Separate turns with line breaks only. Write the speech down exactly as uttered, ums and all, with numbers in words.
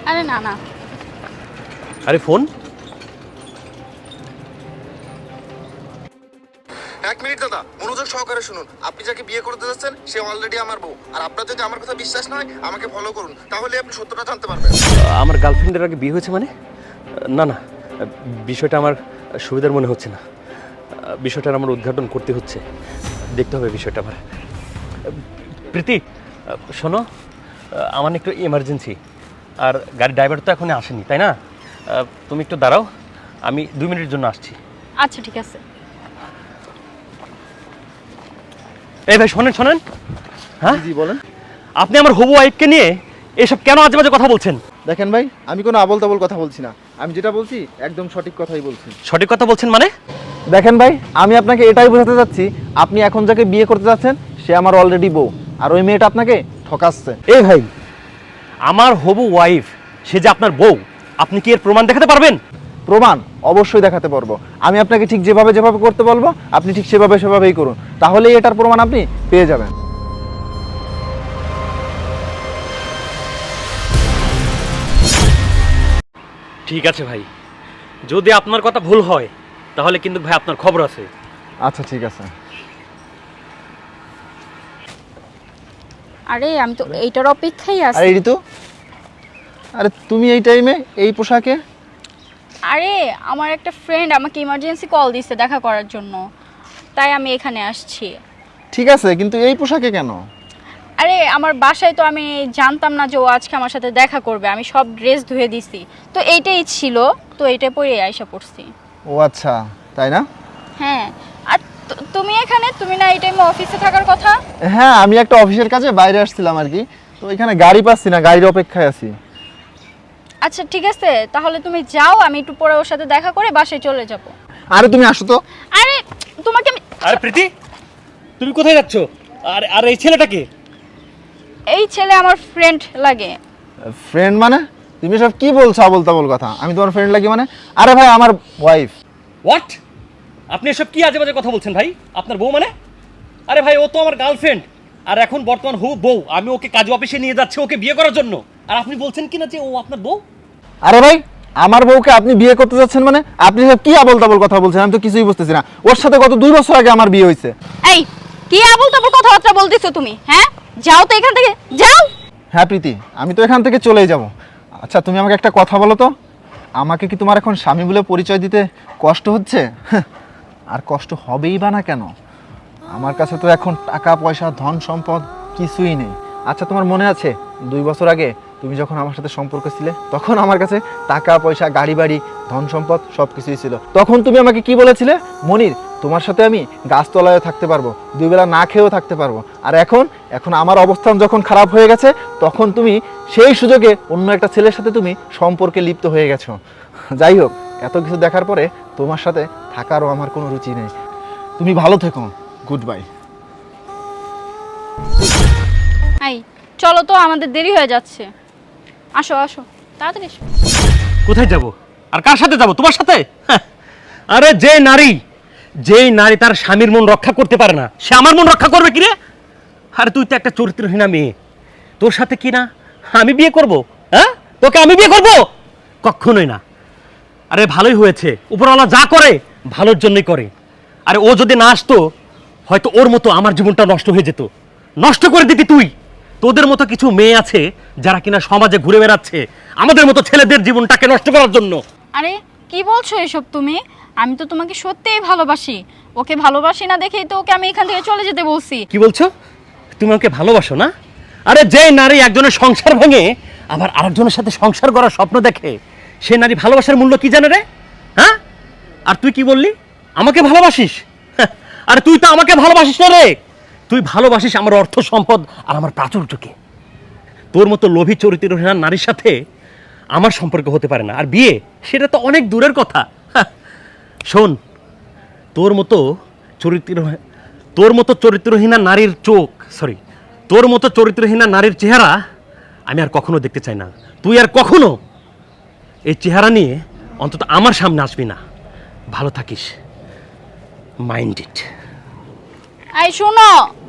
আরে না না।
আরে ফোন।
এক মিনিট দাদা, মনোযোগ সহকারে শুনুন। আপনি যাকে বিয়ে করতে যাচ্ছেন সে অলরেডি আমার বউ। আর আপনার যদি আমার কথা বিশ্বাস না হয় আমাকে ফলো করুন, তাহলে আপনি সত্যটা জানতে পারবেন।
আমার গার্লফ্রেন্ডের আগে বিয়ে হয়েছে মানে? না না, বিষয়টা আমার সুবিধার মনে হচ্ছে না। বিষয়টার আমার উদ্ঘাটন করতে হচ্ছে, দেখতে হবে বিষয়টা আমার। প্রীতি শোনো, আমার একটু এমার্জেন্সি, আর গাড়ির ড্রাইভার তো এখনই আসেনি, তাই না? তুমি একটু দাঁড়াও, আমি দুই মিনিটের জন্য আসছি।
আচ্ছা ঠিক আছে।
এই ভাই শোনেন শোনেন। হ্যাঁ
জি বলেন।
আপনি আমার হবু ওয়াইফকে নিয়ে এসব কেন আজে বাজে কথা বলছেন?
দেখেন ভাই, আমি কোনো আবল তাবল কথা বলছি না। আমি যেটা বলছি একদম সঠিক কথাই বলছি।
সঠিক কথা বলছেন মানে?
দেখেন ভাই, আমি আপনাকে এটাই বোঝাতে চাচ্ছি, আপনি এখন যাকে বিয়ে করতে যাচ্ছেন সে আমার অলরেডি বউ, আর ওই মেয়েটা আপনাকে ঠকাচ্ছে।
এই ভাই, আমার হবু ওয়াইফ সে যে আপনার বউ, আপনি কি এর প্রমাণ দেখাতে পারবেন?
প্রমাণ অবশ্যই দেখাতে পারবো। আমি আপনাকে ঠিক যেভাবে যেভাবে করতে বলবো আপনি ঠিক সেভাবে সেভাবেই করুন, তাহলেই এটার প্রমাণ আপনি পেয়ে যাবেন।
ঠিক আছে ভাই, যদি আপনার কথা ভুল হয় তাহলে কিন্তু ভাই আপনার খবর আছে।
আচ্ছা ঠিক আছে।
আরে আমি তো এইটার অপেক্ষাই
আরে
আছি।
ঋতু, আরে তুমি এই টাইমে এই পোশাকে?
আরে আমার একটা ফ্রেন্ড আমাকে ইমার্জেন্সি কল দিছে দেখা করার জন্য, তাই আমি এখানে আসছি।
ঠিক আছে, কিন্তু এই পোশাকে কেন?
আরে আমার বাসায় তো আমি জানতাম না যে ও আজকে আমার সাথে দেখা করবে, আমি সব ড্রেস ধুয়ে দিছি, তো এইটাই ছিল, তো এইটা পরে আইসা পড়ছি।
ও আচ্ছা, তাই না?
হ্যাঁ, আর তু- তুমি এখানে, তুমি না এই টাইমে অফিসে থাকার কথা?
হ্যাঁ, আমি একটা অফিসের কাজে বাইরে আসছিলাম আর কি, তো এখানে গাড়ি পাচ্ছি না, গাড়ির অপেক্ষায় আছি।
আচ্ছা ঠিক আছে, তাহলে তুমি যাও, আমি একটু পরে ওর সাথে দেখা করে বাসায় চলে যাব।
আরে তুমি আসো তো।
আরে তোমাকে আমি,
আরে প্রীতি, তুমি কোথায় যাচ্ছ? আর আর এই ছেলেটাকে?
এই ছেলে আমার ফ্রেন্ড লাগে।
ফ্রেন্ড মানে? তুমি সব কি বলছো আবল তাবল কথা? আমি তোমার ফ্রেন্ড লাগি মানে? আরে ভাই, আমার ওয়াইফ।
হোয়াট? আপনি এসব কি আজে বাজে কথা বলছেন ভাই? আপনার বউ মানে? আরে ভাই, ও তো আমার গার্লফ্রেন্ড, আর এখন বর্তমান হবু বউ। আমি ওকে কাজ অফিসে নিয়ে যাচ্ছি ওকে বিয়ে করার জন্য, আর আপনি বলছেন কি না যে ও আপনার বউ?
আরে ভাই, আমার বউকে আপনি বিয়ে করতে যাচ্ছেন মানে? আপনি সব কি আবল তাবল কথা বলছেন? আমি তো কিছুই বুঝতেছি না। ওর সাথে গত দুই বছর আগে আমার বিয়ে হয়েছে।
এই কি আবল তাবল কথাবার্তা বলতেছো তুমি? হ্যাঁ, যাও তো এখান থেকে, যাও।
হ্যাঁ প্রীতি, আমি তো এখান থেকে চলেই যাব। আচ্ছা তুমি আমাকে একটা কথা বলো তো, আমাকে কি তোমার এখন স্বামী বলে পরিচয় দিতে কষ্ট হচ্ছে? আর কষ্ট হবেই বা না কেন? আমার কাছে তো এখন টাকা পয়সা ধন সম্পদ কিছুই নেই। আচ্ছা তোমার মনে আছে দুই বছর আগে তুমি যখন আমার সাথে সম্পর্ক ছিলে, তখন আমার কাছে টাকা পয়সা গাড়ি বাড়ি ধন সম্পদ সব কিছুই ছিল। তখন তুমি আমাকে কি বলেছিলে? মনির, তোমার সাথে আমি গাছতলায় থাকতে পারবো, দুই বেলা না খেয়েও থাকতে পারবো। আর এখন এখন আমার অবস্থান যখন খারাপ হয়ে গেছে, তখন তুমি সেই সুযোগে অন্য একটা ছেলের সাথে তুমি সম্পর্কে লিপ্ত হয়ে গেছো। যাই হোক, এত কিছু দেখার পরে তোমার সাথে থাকারও আমার কোনো রুচি নেই। তুমি ভালো থেকো, গুড বাই।
এই চলো তো, আমাদের দেরি হয়ে যাচ্ছে। আসো আসো, তাড়াতাড়ি এসো।
কোথায় যাব? আর কার সাথে যাব? তোমার সাথে? হ্যাঁ। আরে যে নারী, যেই নারী তার স্বামীর মন রক্ষা করতে পারে না, সে আমার মন রক্ষা করবে কি রে? আরে তুই তো একটা চরিত্রহীনা মেয়ে, তোর সাথে কি না আমি বিয়ে করব? হ্যাঁ, তোকে আমি বিয়ে করব? কখনোই না। আরে ভালোই হয়েছে, উপরওয়ালা যা করে ভালোর জন্যই করে। আরে ও যদি না আসতো, হয়তো ওর মতো আমার জীবনটা নষ্ট হয়ে যেত। নষ্ট করে দিতি তুই। তোদের মতো কিছু মেয়ে আছে যারা কিনা সমাজে ঘুরে বেড়াচ্ছে আমাদের মতো ছেলেদের জীবনটাকে নষ্ট করার জন্য।
আরে কি বলছো এসব তুমি? আমি তো তোমাকে সত্যিই ভালোবাসি, ওকে ভালোবাসি না দেখেই তো ওকে আমি এখান থেকে চলে যেতে বলছি।
কি বলছো? তুমি ওকে ভালোবাসো না? আরে যে নারী একজনের সংসার ভেঙে আবার আরেকজনের সাথে সংসার করার স্বপ্ন দেখে, সে নারী ভালোবাসার মূল্য কি জানে রে? হ্যাঁ, আর তুই কি বললি আমাকে ভালোবাসিস? হ্যাঁ, আরে তুই তো আমাকে ভালোবাসিস না রে, তুই ভালোবাসিস আমার অর্থ সম্পদ আর আমার প্রাচুর্যকে। তোর মতো লোভী চরিত্রহীন নারীর সাথে আমার সম্পর্ক হতে পারে না, আর বিয়ে সেটা তো অনেক দূরের কথা। হ্যাঁ, শোন, তোর মতো চরিত্র তোর মতো চরিত্রহীনা নারীর চোখ, সরি তোর মতো চরিত্রহীনা নারীর চেহারা আমি আর কখনো দেখতে চাই না। তুই আর কখনো এই চেহারা নিয়ে অন্তত আমার সামনে আসবি না। ভালো থাকিস, মাইন্ড ইট।
এই শোনো,